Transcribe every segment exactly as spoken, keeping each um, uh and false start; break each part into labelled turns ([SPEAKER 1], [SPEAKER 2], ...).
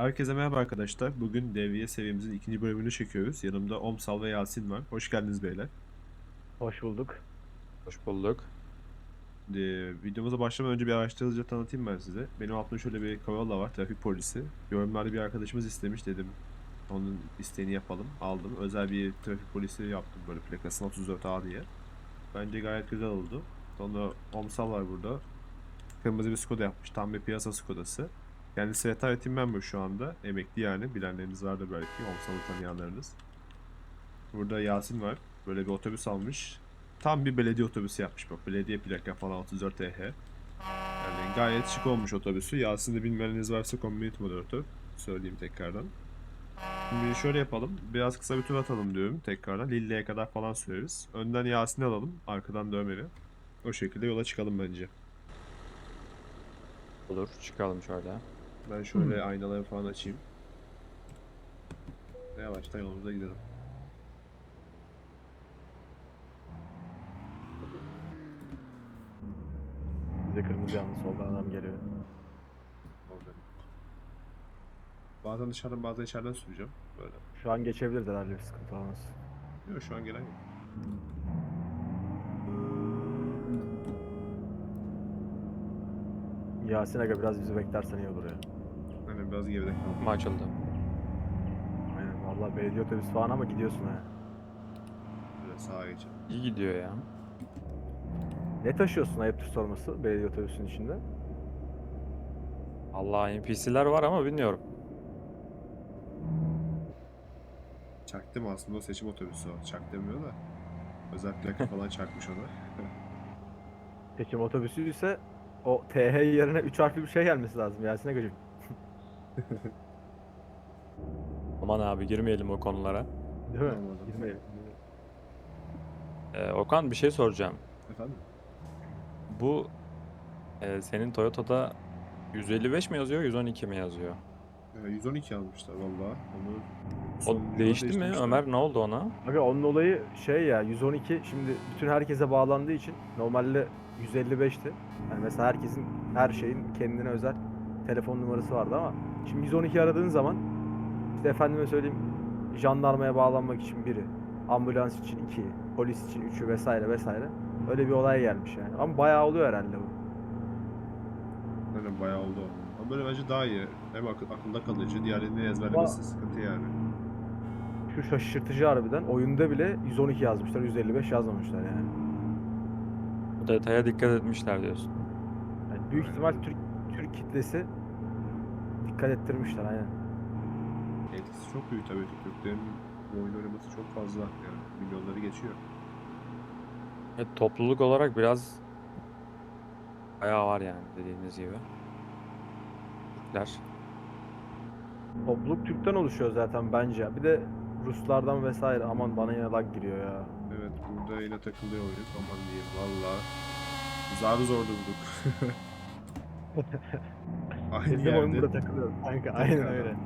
[SPEAKER 1] Herkese merhaba arkadaşlar. Bugün Devriye seviyemizin ikinci bölümünü çekiyoruz. Yanımda Omsal ve Yasin var. Hoş geldiniz beyler.
[SPEAKER 2] Hoş bulduk.
[SPEAKER 3] Hoş bulduk.
[SPEAKER 1] Ee, videomuza başlamadan önce bir araştırıcı tanıtayım ben size. Benim altımda şöyle bir Corolla var, trafik polisi. Yorumlarda bir arkadaşımız istemiş dedim. Onun isteğini yapalım. Aldım. Özel bir trafik polisi yaptım böyle plakasına otuz dört A diye. Bence gayet güzel oldu. Sonra Omsal var burada. Kırmızı bir Skoda yapmış. Tam bir piyasa Skodası. Kendisi retired team member şu anda. Emekli yani. Bilenleriniz vardır belki. Omsal'ı tanıyanlarınız. Burada Yasin var. Böyle bir otobüs almış. Tam bir belediye otobüsü yapmış bak. Belediye plaka falan otuz dört E H. Yani gayet şık olmuş otobüsü. Yasin'i bilmeyeniniz varsa community moderatör. Söyleyeyim tekrardan. Şimdi şöyle yapalım. Biraz kısa bir tur atalım diyorum tekrardan. Lille'ye kadar falan süreriz. Önden Yasin'i alalım. Arkadan da Ömer'i. O şekilde yola çıkalım bence.
[SPEAKER 3] Olur. Çıkalım şöyle.
[SPEAKER 1] Ben şöyle aynaları falan açayım. Ve yavaştan yolumuza gidelim.
[SPEAKER 2] Bize kırmızı yandı, soldan adam geliyor.
[SPEAKER 1] Orada. Bazen dışarıdan bazen içeriden süreceğim. Böyle.
[SPEAKER 2] Şu an geçebiliriz herhalde, bir sıkıntı olmaz.
[SPEAKER 1] Yok şu an gelen yok.
[SPEAKER 2] Yasin Aga biraz bizi beklersen iyi olur ya.
[SPEAKER 1] Hani biraz geride kaldım.
[SPEAKER 3] Kapı açıldı.
[SPEAKER 2] Aynen, vallahi belediye otobüsü falan ama gidiyorsun ha.
[SPEAKER 1] Böyle sağa geçelim.
[SPEAKER 3] İyi gidiyor ya.
[SPEAKER 2] Ne taşıyorsun, ayıptır sorması, belediye otobüsünün içinde?
[SPEAKER 3] Allah N P C'ler var ama bilmiyorum.
[SPEAKER 1] Çaktım aslında o seçim otobüsü o. Çak demiyor da. Özel plaka falan çakmış ona.
[SPEAKER 2] Seçim otobüsü ise o T H yerine üç harfli bir şey gelmesi lazım Yasin Aga'cığım.
[SPEAKER 3] Aman abi girmeyelim o konulara.
[SPEAKER 2] Değil mi?
[SPEAKER 1] Anlamadım.
[SPEAKER 2] Girmeyelim.
[SPEAKER 3] Ee, Okan bir şey soracağım.
[SPEAKER 1] Efendim?
[SPEAKER 3] Bu e, senin Toyota'da yüz elli beş mi yazıyor, yüz on iki mi yazıyor?
[SPEAKER 1] Ee, yüz on iki almışlar valla. Onu
[SPEAKER 3] O
[SPEAKER 1] sonuncuda
[SPEAKER 3] değişti mi?
[SPEAKER 1] değiştirmişler.
[SPEAKER 3] Ömer ne oldu ona?
[SPEAKER 2] Aga onun olayı şey ya, yüz on iki şimdi bütün herkese bağlandığı için normalde yüz elli beşti. Yani mesela herkesin, her şeyin kendine özel telefon numarası vardı ama şimdi yüz on iki aradığın zaman işte efendime söyleyeyim, jandarmaya bağlanmak için biri, ambulans için iki, polis için üçü vesaire vesaire. Öyle bir olay gelmiş yani. Ama bayağı oluyor herhalde bu.
[SPEAKER 1] Aynen bayağı oldu o. Ama böyle bence daha iyi. Hem akı- akılda kalıcı, diğerlerini ezberlemesi sıkıntı yani.
[SPEAKER 2] Şu şaşırtıcı harbiden, oyunda bile yüz on iki yazmışlar, yüz elli beş yazmamışlar yani.
[SPEAKER 3] Bu detaya dikkat etmişler diyorsun.
[SPEAKER 2] Yani büyük
[SPEAKER 1] Aynen.
[SPEAKER 2] ihtimal Türk Türk kitlesi dikkat ettirmişler aynen.
[SPEAKER 1] Etkisi çok büyük tabii. Türklerin bu oyun oynaması çok fazla. Yani milyonları geçiyor.
[SPEAKER 3] Evet, topluluk olarak biraz bayağı var yani dediğiniz gibi. Türkler.
[SPEAKER 2] Topluluk Türk'ten oluşuyor zaten bence. Bir de Ruslardan vesaire. Aman bana yine lag giriyor ya.
[SPEAKER 1] Evet burada yine takılıyor oyun. Aman diyeyim valla. Zar zor durduk. Aynı
[SPEAKER 2] Bizim oyun
[SPEAKER 1] yerde
[SPEAKER 2] burada takılıyor. Kanka aynen
[SPEAKER 1] tekrardan.
[SPEAKER 2] öyle.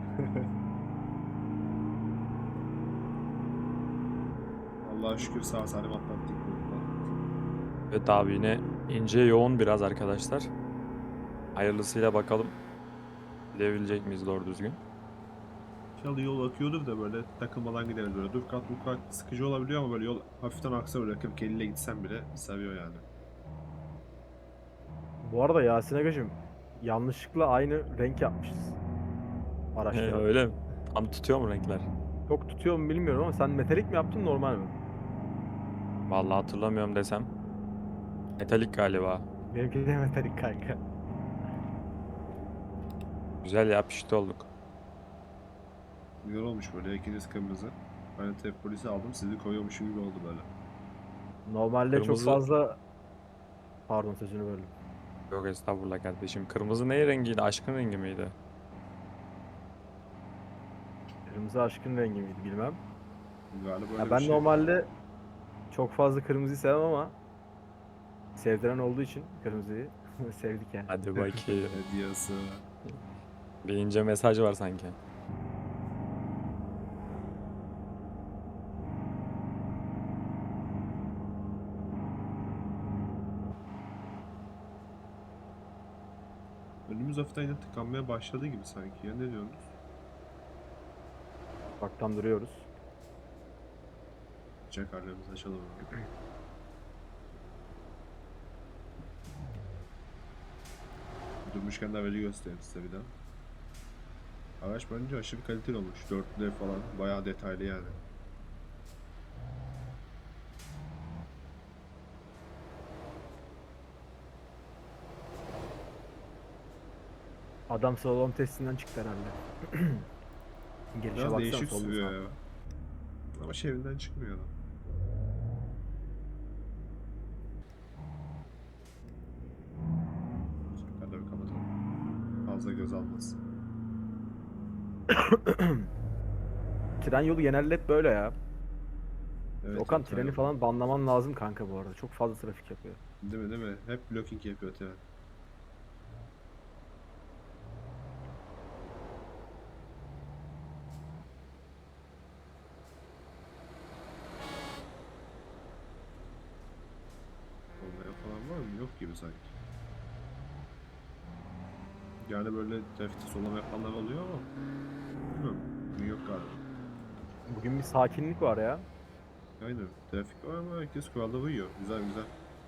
[SPEAKER 1] Allah'a şükür sağ salim atlattık burada.
[SPEAKER 3] Evet abi yine ince yoğun biraz arkadaşlar. Hayırlısıyla bakalım. Gidebilecek miyiz doğru düzgün?
[SPEAKER 1] İnşallah yol akıyordur da böyle takılmadan gideriz böyle. Dur kat bu kat sıkıcı olabiliyor ama böyle yol hafiften aksa böyle kırk elli ile gitsen bile seviyor yani.
[SPEAKER 2] Bu arada Yasin Agacığım, yanlışlıkla aynı renk yapmışız.
[SPEAKER 3] He,
[SPEAKER 2] Araçta.
[SPEAKER 3] öyle mi? Tam tutuyor mu renkler?
[SPEAKER 2] Çok tutuyor mu bilmiyorum ama sen metalik mi yaptın, normal mi?
[SPEAKER 3] Vallahi hatırlamıyorum desem. Metalik galiba.
[SPEAKER 2] Benimki de metalik kanka.
[SPEAKER 3] Güzel ya pişti olduk.
[SPEAKER 1] Güzel olmuş böyle ikiniz kırmızı. Ben de trafik polisi aldım sizi koyuyormuşum gibi oldu böyle.
[SPEAKER 2] Normalde çok
[SPEAKER 3] Kırmızı
[SPEAKER 2] fazla... Pardon, sözünü böldüm.
[SPEAKER 3] yok estağfurullah kardeşim. Kırmızı ne rengiydi? Aşkın rengi miydi?
[SPEAKER 2] Kırmızı aşkın rengi miydi bilmem.
[SPEAKER 1] Galiba öyle
[SPEAKER 2] Ya
[SPEAKER 1] bir
[SPEAKER 2] ben
[SPEAKER 1] şey.
[SPEAKER 2] normalde çok fazla kırmızıyı sevmem ama sevdiren olduğu için kırmızıyı sevdik yani.
[SPEAKER 3] Hadi bakayım.
[SPEAKER 1] Hediyesi.
[SPEAKER 3] Bir ince mesaj var sanki.
[SPEAKER 1] Önümüz hafiften yine tıkanmaya başladı gibi sanki ya ne diyorsunuz?
[SPEAKER 2] Baktan duruyoruz.
[SPEAKER 1] Çakarlarımızı açalım abi. Durmuşken de aracı göstereyim size bir daha. Araç bence aşırı kaliteli olmuş. dört D falan. Bayağı detaylı yani.
[SPEAKER 2] Adam slalom testinden çıktı herhalde. Gelişe
[SPEAKER 1] Biraz
[SPEAKER 2] baksana
[SPEAKER 1] değişik
[SPEAKER 2] solda
[SPEAKER 1] sürüyor
[SPEAKER 2] sağda.
[SPEAKER 1] ya. Ama şehrinden çıkmıyor adam. Çakarları kapatalım. Fazla göz almasın.
[SPEAKER 2] Tren yolu genelde hep böyle ya.
[SPEAKER 1] Evet,
[SPEAKER 2] Okan
[SPEAKER 1] evet,
[SPEAKER 2] treni
[SPEAKER 1] aynen.
[SPEAKER 2] falan banlaman lazım kanka bu arada. Çok fazla trafik yapıyor.
[SPEAKER 1] Değil mi, değil mi? Hep blocking yapıyor tren. Olmayan falan var mı? Yok gibi sanki. Yani böyle trafikte sollama yapanlar oluyor ama bilmiyorum. Bugün yok galiba.
[SPEAKER 2] Bugün bir sakinlik var ya.
[SPEAKER 1] Aynen. Trafik var ama herkes kurallara uyuyor. Güzel güzel.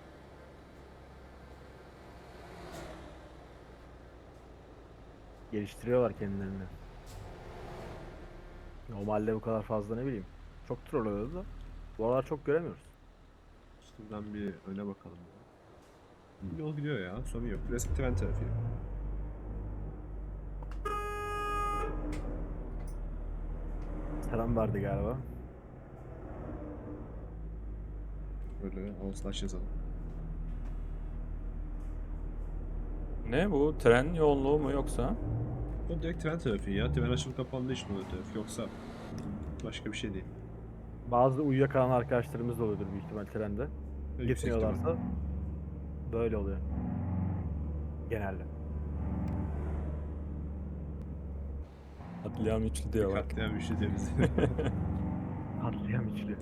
[SPEAKER 2] Geliştiriyorlar kendilerini. Normalde bu kadar fazla ne bileyim. Çok troll oluyordu da. Bu aralar çok göremiyoruz.
[SPEAKER 1] Şuradan bir öne bakalım. Bir yol gidiyor ya. Sorun yok. Klasik tren trafiği.
[SPEAKER 2] Selam verdi galiba.
[SPEAKER 1] Böyle slash yazalım.
[SPEAKER 3] Ne bu? Tren yoğunluğu mu yoksa?
[SPEAKER 1] O direkt tren trafiği ya. Tren açılıp kapandığı için oluyor trafik. Yoksa başka bir şey değil.
[SPEAKER 2] Bazı uyuyakalan arkadaşlarımız da oluyordur büyük ihtimal trende.
[SPEAKER 1] Ve yüksek ihtimal.
[SPEAKER 2] Gitmiyorlarsa böyle oluyor. Genelde.
[SPEAKER 3] Katliam üçlü
[SPEAKER 1] Bir
[SPEAKER 3] diyor bak.
[SPEAKER 1] katliam işi deniz.
[SPEAKER 2] Katliam içli.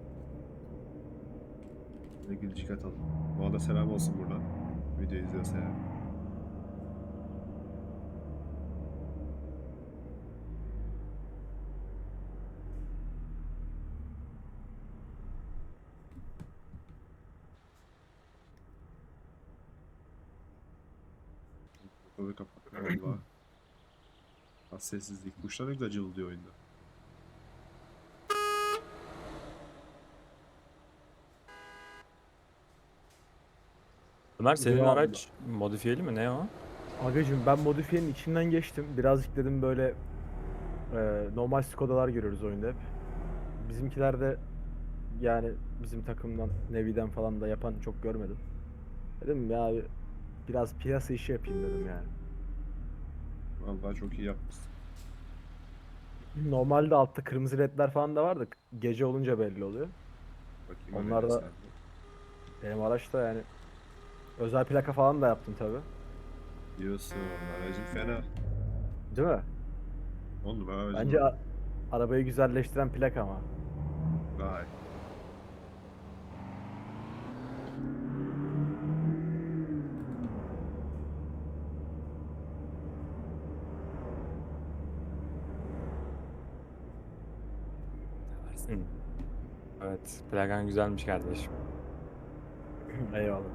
[SPEAKER 1] Ve gülücük atalım. Bu arada selam olsun buradan. Video izliyorsa ya. Kapıyı kapatma valla. Az sessizlik. Kuşlar ne güzel cıvıldıyor oyunda.
[SPEAKER 3] Ömer senin
[SPEAKER 2] Yo,
[SPEAKER 3] araç modifiyeli mi ne o?
[SPEAKER 2] Agacım ben modifiyenin içinden geçtim. Birazcık dedim böyle e, normal Skoda'lar görüyoruz oyunda hep. Bizimkiler de yani bizim takımdan Nevi'den falan da yapan çok görmedim. Dedim ya abi, biraz piyasa işi yapayım dedim yani.
[SPEAKER 1] Vallahi çok iyi yapmışsın.
[SPEAKER 2] Normalde altta kırmızı ledler falan da vardı. Gece olunca belli oluyor.
[SPEAKER 1] Bakayım
[SPEAKER 2] Onlar
[SPEAKER 1] aracın
[SPEAKER 2] da
[SPEAKER 1] sende.
[SPEAKER 2] benim araçta yani özel plaka falan da yaptım tabi.
[SPEAKER 1] Diyorsun. Aracın fena.
[SPEAKER 2] Değil mi?
[SPEAKER 1] On numara aracın
[SPEAKER 2] Bence
[SPEAKER 1] var.
[SPEAKER 2] a- arabayı güzelleştiren plaka ama.
[SPEAKER 1] Vay.
[SPEAKER 3] Hı. Evet, plakan güzelmiş kardeşim.
[SPEAKER 2] Eyvallah.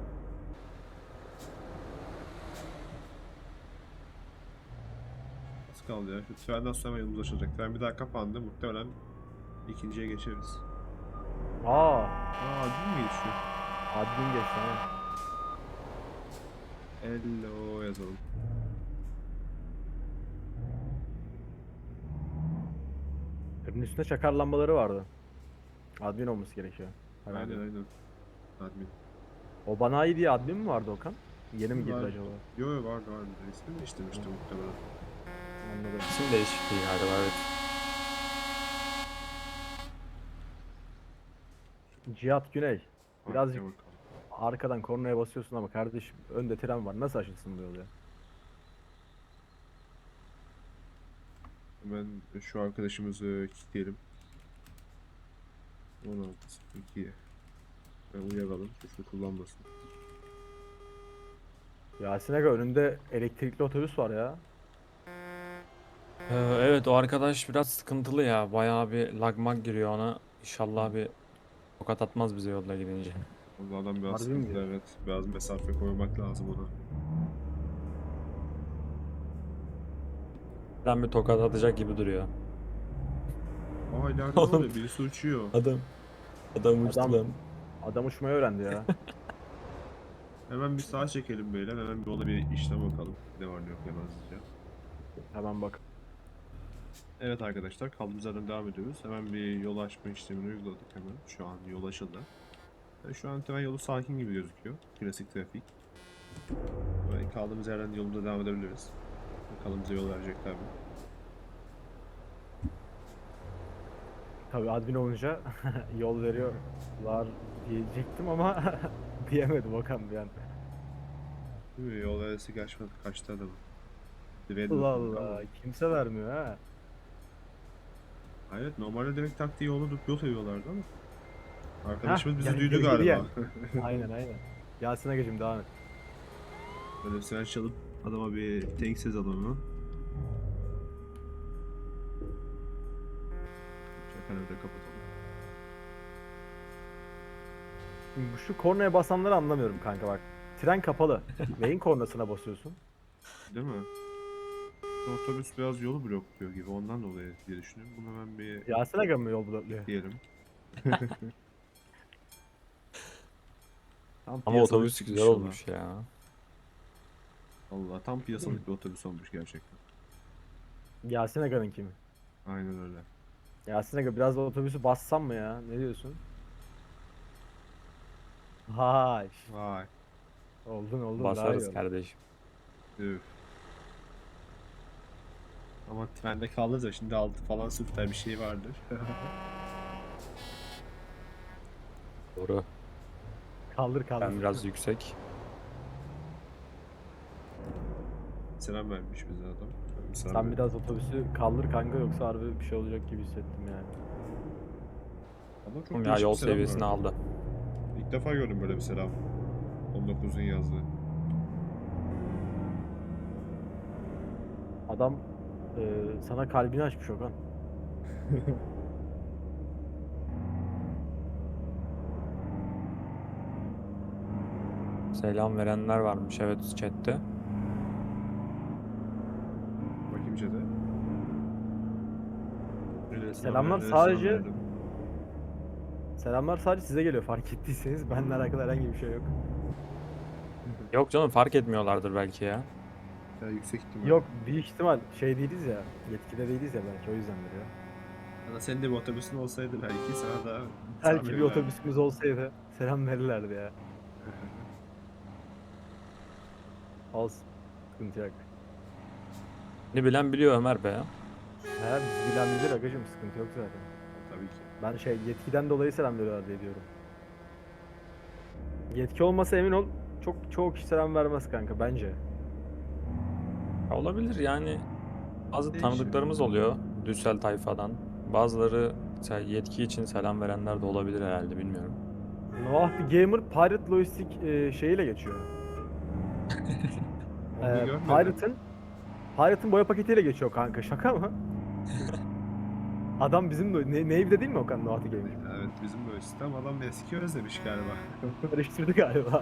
[SPEAKER 1] Az kaldı ya. Şu trenden sonra yolumuz açılacak. Tren bir daha kapandı. Muhtemelen ikinciye geçeriz.
[SPEAKER 2] Aa,
[SPEAKER 1] Aa, değil mi geçiyor?
[SPEAKER 2] admin geçti ha.
[SPEAKER 1] Hello yazalım.
[SPEAKER 2] Tırın üstünde çakar lambaları vardı. Admin olması gerekiyor. Herhalde.
[SPEAKER 1] Aynen aynen. Admin.
[SPEAKER 2] O banayi diye admin mi vardı Okan? Yeni mi girdi
[SPEAKER 1] Var.
[SPEAKER 2] acaba?
[SPEAKER 1] Yo yo vardı vardı. İsmini değiştirmişti
[SPEAKER 2] Hı.
[SPEAKER 1] muhtemelen.
[SPEAKER 2] Anladım.
[SPEAKER 3] İsim değişikliği galiba evet.
[SPEAKER 2] Cihat Güney. Birazcık
[SPEAKER 1] Arkaya bakalım.
[SPEAKER 2] arkadan kornaya basıyorsun ama kardeşim önde tren var. Nasıl açılsın bu yol ya?
[SPEAKER 1] Hemen şu arkadaşımızı kilitleyelim. on altı iki. Ben uyaralım. Hızlı kullanmasın.
[SPEAKER 2] Yasin Aga önünde elektrikli otobüs var ya.
[SPEAKER 3] Ee, evet o arkadaş biraz sıkıntılı ya. Bayağı bir lagmag giriyor ona. İnşallah bir tokat atmaz bize yolda gidince.
[SPEAKER 1] O adam biraz
[SPEAKER 2] Harbi mi
[SPEAKER 1] sıkıntılı,
[SPEAKER 2] diyorsun?
[SPEAKER 1] evet. Biraz mesafe koymak lazım ona.
[SPEAKER 3] Ben bir tokat atacak gibi duruyor.
[SPEAKER 1] Aa ileride ne
[SPEAKER 3] Oğlum
[SPEAKER 1] oluyor? Birisi uçuyor.
[SPEAKER 3] adam adam uçtu
[SPEAKER 2] Adam
[SPEAKER 3] lan.
[SPEAKER 2] adam uçmayı öğrendi ya.
[SPEAKER 1] Hemen bir sağa çekelim beyler. Hemen bir ona bir işlem bakalım. Ne var ne yok hemen hızlıca.
[SPEAKER 2] Hemen bak.
[SPEAKER 1] Evet arkadaşlar kaldığımız yerden devam ediyoruz. Hemen bir yol açma işlemini uyguladık hemen. Şu an yol açıldı. Yani şu an tren yolu sakin gibi gözüküyor. Klasik trafik. Böyle kaldığımız yerden yolumuza devam edebiliriz. Bakalım bize yol verecekler mi?
[SPEAKER 2] Tabii admin olunca yol veriyorlar diyecektim ama diyemedim Okan bir an.
[SPEAKER 1] Değil mi? Yol veresi kaçmadı. Kaçtı adamı. Direğe
[SPEAKER 2] Allah
[SPEAKER 1] dokunduk ama.
[SPEAKER 2] Allah. Kimse vermiyor ha.
[SPEAKER 1] Hayır normalde direkt taktiği yolu yol seviyorlardı ama.
[SPEAKER 2] Hah,
[SPEAKER 1] Arkadaşımız bizi
[SPEAKER 2] gel-
[SPEAKER 1] duydu
[SPEAKER 2] gel- geri
[SPEAKER 1] galiba.
[SPEAKER 2] gel. Aynen aynen. Yasin Agacım devam et.
[SPEAKER 1] Böyle bir siren çalıp adama bir thanks yazalım onu. Şakanı da kapatalım.
[SPEAKER 2] Şimdi bu şu kornaya basanları anlamıyorum kanka bak. Tren kapalı. Neyin kornasına basıyorsun?
[SPEAKER 1] Değil mi? Otobüs biraz yolu blokluyor gibi ondan dolayı diye düşünüyorum. Bunu hemen bir
[SPEAKER 2] Yasin Aga mı yol blokluyor?
[SPEAKER 1] diyelim. Tam
[SPEAKER 3] Ama
[SPEAKER 1] piyasalık
[SPEAKER 3] otobüs
[SPEAKER 1] çıkmış
[SPEAKER 3] güzel
[SPEAKER 1] yola.
[SPEAKER 3] olmuş ya.
[SPEAKER 1] Vallahi tam piyasalık bir otobüs olmuş gerçekten.
[SPEAKER 2] Yasin Aga'nın kimi?
[SPEAKER 1] Aynen öyle.
[SPEAKER 2] Yasin Aga biraz da otobüsü bassam mı ya? Ne diyorsun? Hay.
[SPEAKER 1] Vay.
[SPEAKER 2] Oldun oldun daha iyi
[SPEAKER 3] Basarız
[SPEAKER 2] oldu.
[SPEAKER 3] kardeşim.
[SPEAKER 1] Üf. Ama trende kaldı da şimdi altı falan süper bir şey vardır.
[SPEAKER 3] Doğru.
[SPEAKER 2] Kaldır kaldır.
[SPEAKER 3] Ben biraz yüksek.
[SPEAKER 1] Selam vermiş bize adam. Selam
[SPEAKER 2] Sen
[SPEAKER 1] ver-
[SPEAKER 2] biraz otobüsü kaldır kanka yoksa harbi bir şey olacak gibi hissettim yani.
[SPEAKER 1] Adam çok
[SPEAKER 3] Ya
[SPEAKER 1] değişik
[SPEAKER 3] yol
[SPEAKER 1] bir selam
[SPEAKER 3] seviyesini
[SPEAKER 1] verdi.
[SPEAKER 3] aldı.
[SPEAKER 1] İlk defa gördüm böyle bir selam. on dokuzun yazdığı.
[SPEAKER 2] Adam e, sana kalbini açmış Okan.
[SPEAKER 3] Selam verenler varmış evet chatte.
[SPEAKER 1] Bakayım chat'e. Öyle
[SPEAKER 2] Selamlar
[SPEAKER 1] selam
[SPEAKER 2] sadece-
[SPEAKER 1] verdim.
[SPEAKER 2] Selamlar sadece size geliyor fark ettiyseniz. Benimle alakalı herhangi bir şey yok.
[SPEAKER 3] Yok canım fark etmiyorlardır belki ya.
[SPEAKER 1] Ya yüksek ihtimal.
[SPEAKER 2] Yok büyük ihtimal şey değiliz ya. Yetkide değiliz ya belki o yüzdendir ya.
[SPEAKER 1] Ya da senin de bir otobüsün olsaydı belki sana da
[SPEAKER 2] Belki bir
[SPEAKER 1] sabırlar.
[SPEAKER 2] otobüsümüz olsaydı selam verirlerdi ya. Olsun. Sıkıntı yok.
[SPEAKER 3] Ne bilen biliyor Ömer be.
[SPEAKER 2] He biz bilen bilir agacım sıkıntı yok zaten.
[SPEAKER 1] Tabii ki.
[SPEAKER 2] Ben şey yetkiden dolayı selam veriyorlar diye diyorum. Yetki olmasa emin ol çok çoğu kişi selam vermez kanka bence.
[SPEAKER 3] Ya olabilir yani. Bazı
[SPEAKER 1] Değişir.
[SPEAKER 3] tanıdıklarımız oluyor Düssel tayfadan. Bazıları mesela yetki için selam verenler de olabilir herhalde bilmiyorum.
[SPEAKER 2] Noah the Gamer Pirate Logistik e, şeyiyle geçiyor.
[SPEAKER 1] Onu
[SPEAKER 2] Ee,
[SPEAKER 1] görmedim.
[SPEAKER 2] Pirate'ın Pirate'ın boya paketiyle geçiyor kanka şaka mı? Adam bizim de ne, Nave'de değil mi Okan Noah the Gamer?
[SPEAKER 1] Evet bizim böyle sistem adam eski özlemiş galiba.
[SPEAKER 2] Karıştırdı galiba.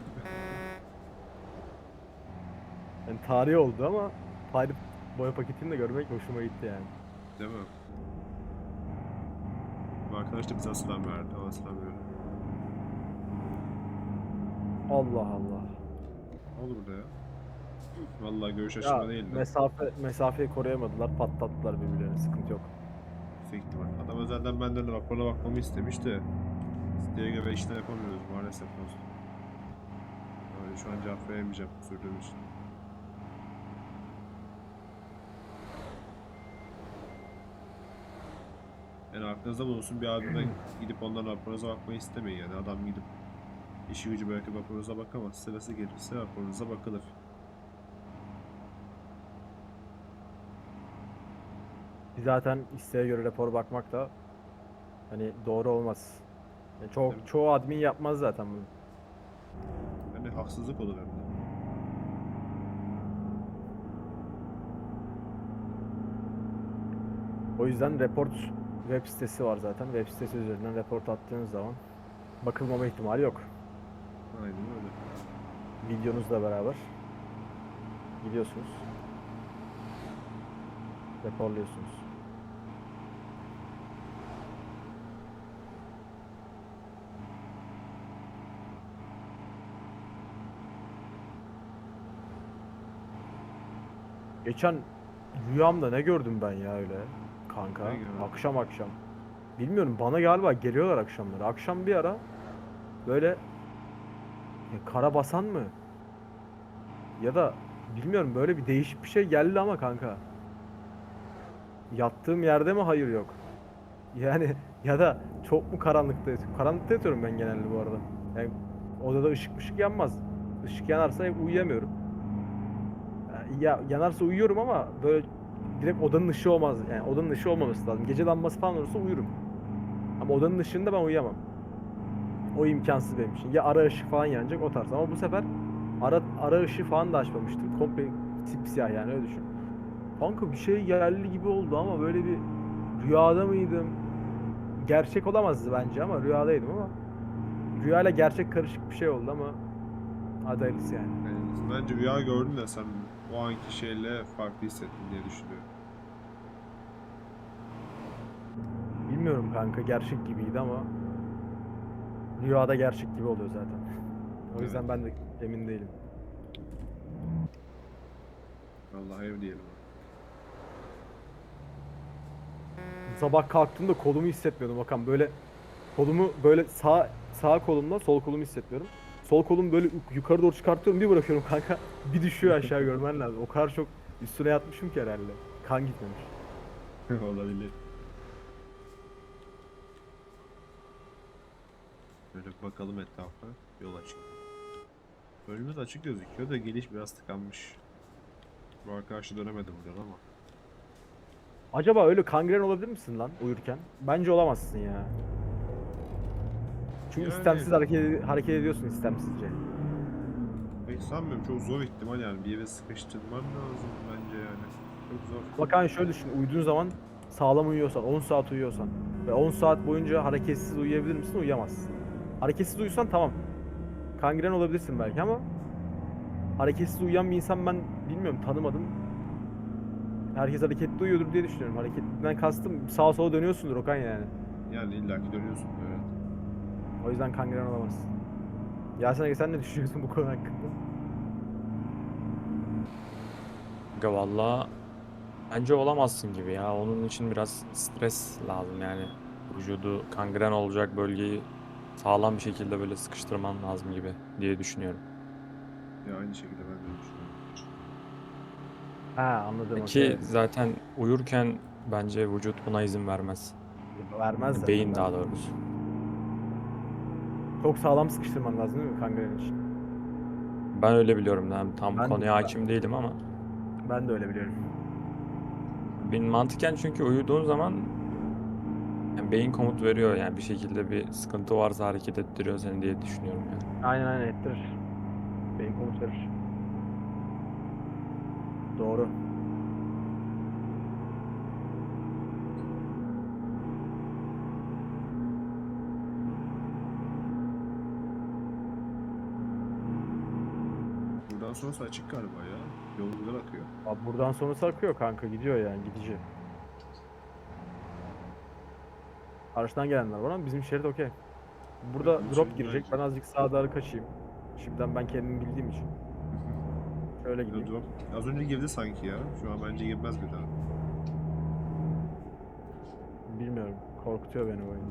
[SPEAKER 2] Yani tarihi oldu ama Pirate boya paketini de görmek hoşuma gitti yani.
[SPEAKER 1] Değil mi? Bu arkadaş da bize selam verdi. Ona selam veriyorum.
[SPEAKER 2] Allah Allah.
[SPEAKER 1] Ne oldu burada ya? Vallahi görüş
[SPEAKER 2] Ya
[SPEAKER 1] açımda değil de.
[SPEAKER 2] mesafe mesafeyi koruyamadılar, patlattılar birbirlerini. Sıkıntı yok.
[SPEAKER 1] Yüksek ihtimal. Adam özelden benden de raporuna bakmamı istemiş de isteğe göre işlem yapamıyoruz maalesef dostum. Yani şu an cevap veremeyeceğim sürdüğüm için. Yani aklınızda bulunsun bir abime gidip ondan raporunuza bakmayı istemeyin yani adam gidip işi gücü bırakıp raporunuza bakamaz. Sırası gelirse raporunuza bakılır.
[SPEAKER 2] Zaten isteğe göre rapor bakmak da hani doğru olmaz. Yani çok
[SPEAKER 1] Evet.
[SPEAKER 2] çoğu admin yapmaz zaten bunu.
[SPEAKER 1] Yani haksızlık olur hem de.
[SPEAKER 2] O yüzden report web sitesi var zaten. Web sitesi üzerinden report attığınız zaman bakılmama ihtimali yok.
[SPEAKER 1] Aynen öyle.
[SPEAKER 2] Videonuzla beraber gidiyorsunuz. Raporluyorsunuz. Geçen rüyamda ne gördüm ben ya öyle kanka.
[SPEAKER 1] Ne gördün?
[SPEAKER 2] Akşam akşam. Bilmiyorum, bana galiba geliyorlar akşamları. Akşam bir ara böyle ya karabasan mı? Ya da bilmiyorum, böyle bir değişik bir şey geldi ama kanka. Yattığım yerde mi hayır yok. Yani ya da çok mu karanlıkta yatıyorum? Karanlıkta yatıyorum ben genelde bu arada. Yani odada ışık ışık yanmaz. Işık yanarsa uyuyamıyorum. Yani ya yanarsa uyuyorum ama böyle direkt odanın ışığı olmaz. Yani odanın ışığı olmaması lazım. Gece lambası falan olursa uyurum. Ama odanın ışığında ben uyuyamam. O imkansız benim için. Ya ara ışık falan yanacak, o tarz. Ama bu sefer ara ara ışığı falan da açmamıştım. Komple sipsiyah, yani öyle düşün. Kanka bir şey geldi gibi oldu ama böyle bir rüyada mıydım? Gerçek olamazdı bence ama rüyadaydım ama rüyayla gerçek karışık bir şey oldu ama hadi hayırlısı yani.
[SPEAKER 1] Yani bence rüya gördün de sen o anki şeyle farklı hissettin diye düşünüyorum.
[SPEAKER 2] Bilmiyorum kanka, gerçek gibiydi ama rüyada gerçek gibi oluyor zaten. O yüzden
[SPEAKER 1] Evet.
[SPEAKER 2] ben de emin değilim.
[SPEAKER 1] Allah ev diyelim.
[SPEAKER 2] Sabah kalktığımda kolumu hissetmiyordum Hakan, böyle kolumu böyle sağ sağ kolumla sol kolumu hissetmiyorum. Sol kolumu böyle yukarı doğru çıkartıyorum, bir bırakıyorum kanka, bir düşüyor aşağı, görmen lazım. O kadar çok üstüne yatmışım ki herhalde. Kan gitmemiş.
[SPEAKER 1] Olabilir. Böyle bir bakalım etrafa. Yol açık. Önümüz açık gözüküyor da geliş biraz tıkanmış. Bu arkadaşı dönemedi buradan ama.
[SPEAKER 2] Acaba öyle kangren olabilir misin lan uyurken? Bence olamazsın ya. Çünkü
[SPEAKER 1] Yani-
[SPEAKER 2] istemsiz hareket hareket ediyorsun istemsizce.
[SPEAKER 1] Pek sanmıyorum. Çok zor ihtimal yani. Bir yere sıkıştırman lazım bence yani. Çok zor.
[SPEAKER 2] Bak hani şöyle düşün, uyuduğun zaman sağlam uyuyorsan, on saat uyuyorsan ve on saat boyunca hareketsiz uyuyabilir misin? Uyuyamazsın. Hareketsiz uyusan tamam. Kangren olabilirsin belki ama hareketsiz uyuyan bir insan ben bilmiyorum, tanımadım. Herkes hareketli uyuyordur diye düşünüyorum. Hareketliden kastım sağa sola dönüyorsundur Okan yani.
[SPEAKER 1] Yani illaki dönüyorsun evet.
[SPEAKER 2] O yüzden kangren olamazsın. Yasin Ege, sen ne düşünüyorsun bu konu hakkında?
[SPEAKER 3] Aga valla bence olamazsın gibi ya. Onun için biraz stres lazım yani. Vücudu kangren olacak bölgeyi sağlam bir şekilde böyle sıkıştırman lazım gibi diye düşünüyorum.
[SPEAKER 1] Ya aynı şekilde ben de düşünüyorum.
[SPEAKER 2] Ha, anladım,
[SPEAKER 3] Ki
[SPEAKER 2] okey.
[SPEAKER 3] zaten uyurken bence vücut buna izin vermez.
[SPEAKER 2] Vermez zaten.
[SPEAKER 3] Beyin daha
[SPEAKER 2] bence.
[SPEAKER 3] doğrusu.
[SPEAKER 2] Çok sağlam sıkıştırman lazım değil mi kangren için?
[SPEAKER 3] Ben öyle biliyorum. Yani tam
[SPEAKER 2] Ben de-
[SPEAKER 3] konuya hakim değilim ama
[SPEAKER 2] Ben de öyle biliyorum.
[SPEAKER 3] benim mantıken çünkü uyuduğun zaman yani beyin komut veriyor yani bir şekilde bir sıkıntı varsa hareket ettiriyor seni diye düşünüyorum yani.
[SPEAKER 2] Aynen aynen ettirir. Beyin komut verir. Doğru.
[SPEAKER 1] Buradan sonrası açık galiba ya. Yol güzel akıyor.
[SPEAKER 2] Abi buradan sonrası akıyor kanka, gidiyor yani, gidici. Karşıdan gelenler var ama bizim şerit okey. Burada
[SPEAKER 1] Evet, bizim
[SPEAKER 2] drop
[SPEAKER 1] şerit
[SPEAKER 2] girecek.
[SPEAKER 1] bence.
[SPEAKER 2] Ben azıcık sağa doğru kaçayım. Şimdiden ben kendimi bildiğim için. Şöyle
[SPEAKER 1] Ya
[SPEAKER 2] gideyim.
[SPEAKER 1] drop az önce girdi sanki ya. Şu an bence girmez bir daha.
[SPEAKER 2] Bilmiyorum. Korkutuyor beni oyun.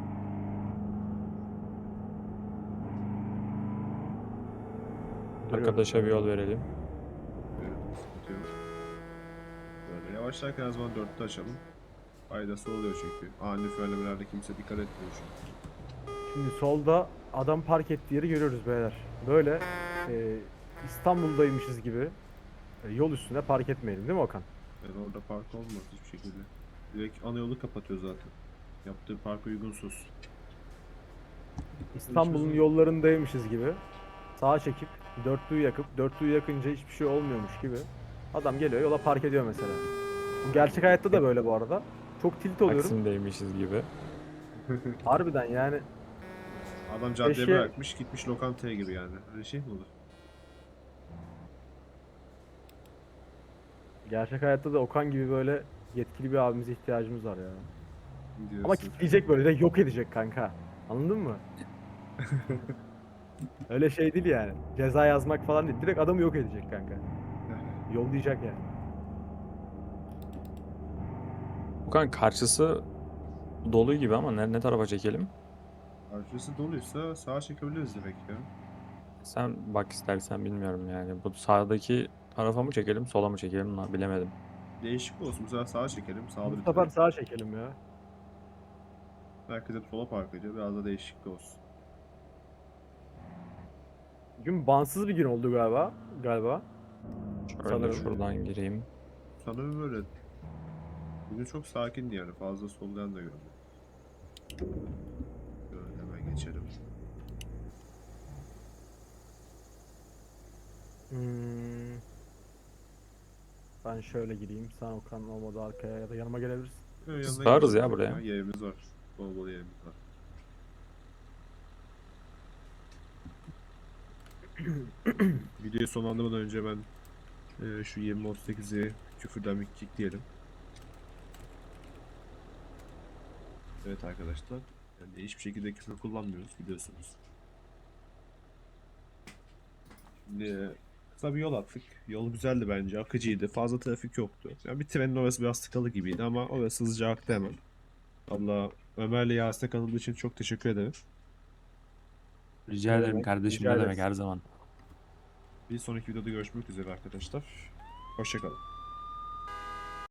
[SPEAKER 2] Duruyorum.
[SPEAKER 3] Arkadaşa bir yol verelim.
[SPEAKER 1] Evet, sıkıntı yok. Böyle yavaşlarken her zaman dörtte açalım. Faydası oluyor çünkü. Ani frenlemelerde kimse dikkat etmiyor çünkü.
[SPEAKER 2] Şimdi solda adam park ettiği yeri görüyoruz beyler. Böyle e, İstanbul'daymışız gibi e, yol üstüne park etmeyelim değil mi Okan?
[SPEAKER 1] Yani orada park olmaz hiçbir şekilde. Direkt ana yolu kapatıyor zaten. Yaptığı park uygunsuz.
[SPEAKER 2] İstanbul'un
[SPEAKER 1] çözüm.
[SPEAKER 2] yollarındaymışız gibi sağa çekip dörtlüyü yakıp dörtlüyü yakınca hiçbir şey olmuyormuş gibi adam geliyor yola park ediyor mesela. Bu gerçek hayatta da böyle bu arada. çok tilt oluyorum.
[SPEAKER 3] Taksim'deymişiz gibi.
[SPEAKER 2] Harbiden yani
[SPEAKER 1] Adam caddeye
[SPEAKER 2] Keşke-
[SPEAKER 1] bırakmış gitmiş lokantaya gibi yani. Öyle şey mi olur?
[SPEAKER 2] gerçek hayatta da Okan gibi böyle yetkili bir abimize ihtiyacımız var ya.
[SPEAKER 1] Diyorsun.
[SPEAKER 2] Ama kitleyecek böyle de yok edecek kanka. Anladın mı? Öyle şey değil yani. Ceza yazmak falan değil. Direkt adamı yok edecek kanka. Yollayacak yani.
[SPEAKER 3] Okan karşısı dolu gibi ama ne, ne tarafa çekelim?
[SPEAKER 1] Arkası doluysa sağa çekebiliriz demek ya.
[SPEAKER 3] Sen bak istersen, bilmiyorum yani. Bu sağdaki tarafa mı çekelim, sola mı çekelim lan bilemedim.
[SPEAKER 1] Değişik olsun. Bu sefer sağa çekelim. Sağda
[SPEAKER 2] Bu
[SPEAKER 1] bir
[SPEAKER 2] sefer
[SPEAKER 1] trafik.
[SPEAKER 2] sağa çekelim ya.
[SPEAKER 1] Herkes hep sola park ediyor. Biraz da değişiklik olsun.
[SPEAKER 2] Bugün bansız bir gün oldu galiba. Galiba.
[SPEAKER 3] Şöyle
[SPEAKER 2] Sanırım.
[SPEAKER 3] şuradan gireyim.
[SPEAKER 1] Sanırım böyle. Bugün çok sakindi yani. Fazla soldan da görmedim. Böyle hemen geçelim.
[SPEAKER 2] Hmm. Ben şöyle gireyim. Sen Okan olmadı arkaya ya da yanıma gelebilirsin.
[SPEAKER 1] Böyle yanına
[SPEAKER 3] Sığarız
[SPEAKER 1] geçelim
[SPEAKER 3] ya buraya.
[SPEAKER 1] Yerimiz var. Bol bol yerimiz var. Videoyu sonlandırmadan önce ben e, şu yirmi otuz sekizi küfürden bir kickleyelim. Evet arkadaşlar. Yani hiçbir şekilde küfür kullanmıyoruz biliyorsunuz. Şimdi e, kısa bir yol attık. Yol güzeldi bence. Akıcıydı. Fazla trafik yoktu. Yani bir trenin orası biraz tıkalı gibiydi ama orası hızlıca aktı hemen. Valla Ömer'le Yasin'e katıldığı için çok teşekkür ederim.
[SPEAKER 3] Rica
[SPEAKER 2] Ne
[SPEAKER 3] ederim
[SPEAKER 2] demek,
[SPEAKER 3] kardeşim,
[SPEAKER 2] rica
[SPEAKER 3] ne demek,
[SPEAKER 2] ederiz.
[SPEAKER 3] her zaman.
[SPEAKER 1] Bir sonraki videoda görüşmek üzere arkadaşlar. Hoşçakalın.